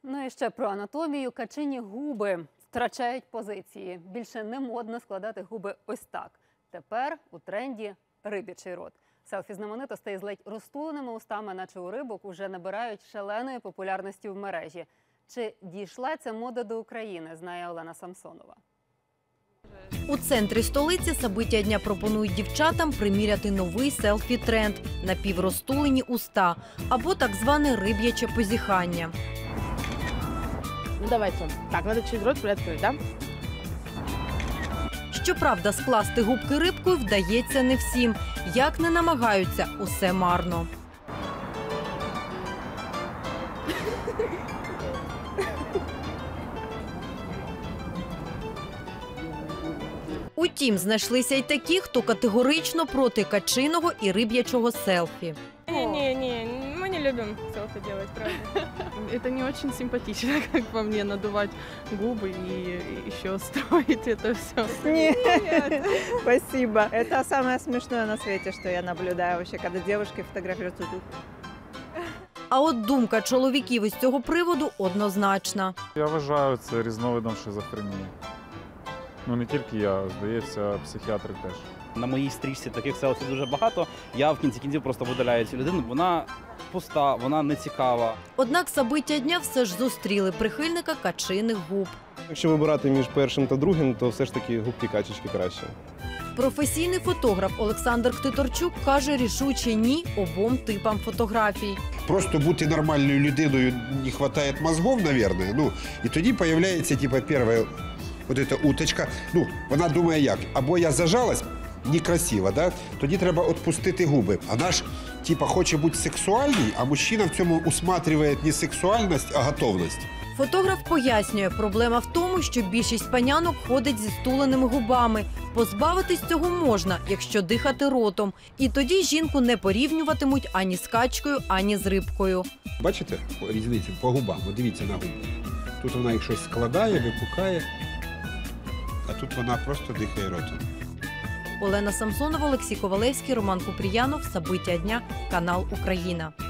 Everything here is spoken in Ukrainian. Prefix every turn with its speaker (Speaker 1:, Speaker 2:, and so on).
Speaker 1: Ну і ще про анатомію. Качині губи втрачають позиції. Більше не модно складати губи ось так. Тепер у тренді риб'ячий рот. Селфі знаменитостей з ледь розтуленими устами, наче у рибок, уже набирають шаленої популярності в мережі. Чи дійшла ця мода до України, знає Олена Самсонова.
Speaker 2: У центрі столиці события дня пропонують дівчатам приміряти новий селфі-тренд – напіврозтулені уста або так зване риб'яче позіхання.
Speaker 3: Ну давайте. Так, надо чуть рот приоткрыть, да?
Speaker 2: Щоправда, скласти губки рибкою вдається не всім. Як не намагаються, усе марно. Утім, знайшлися й такі, хто категорично проти качиного і риб'ячого селфі.
Speaker 4: Не, мы не любим селфи делать, правда.
Speaker 3: Это не очень симпатично, как по мне, надувать губы и еще строить это все.
Speaker 5: Нет, спасибо. Это самое смешное на свете, что я наблюдаю вообще, когда девушки фотографируются тут.
Speaker 2: А от думка чоловіків із цього приводу однозначна.
Speaker 6: Я вважаю це різновидом шизофренії. Ну не тільки я, здається, психіатри теж.
Speaker 7: На моїй стрічці таких селфі дуже багато. Я в кінці кінців просто видаляю цю людину. Вона пуста, вона не цікава.
Speaker 2: Однак события дня все ж зустріли прихильника качиних губ.
Speaker 8: Якщо вибирати між першим та другим, то все ж таки губки качечки краще.
Speaker 2: Професійний фотограф Олександр Ктиторчук каже рішуче ні обом типам фотографій.
Speaker 9: Просто бути нормальною людиною не вистачає мозгів, мабуть. Ну, і тоді з'являється, типу, перша вот эта уточка. Ну, вона думає як, або я зажалась, некрасиво, да? Тоді треба відпустити губи. Вона ж, типу, хоче бути сексуальній, а мужчина в цьому усматриває не сексуальність, а готовність.
Speaker 2: Фотограф пояснює, проблема в тому, що більшість панянок ходить зі стуленими губами. Позбавитись цього можна, якщо дихати ротом. І тоді жінку не порівнюватимуть ані з качкою, ані з рибкою.
Speaker 9: Бачите різницю по губам? От дивіться на губи. Тут вона їх щось складає, випукає, а тут вона просто дихає ротом.
Speaker 2: Олена Самсонова, Олексій Ковалевський, Роман Купріянов. События дня. Канал Україна.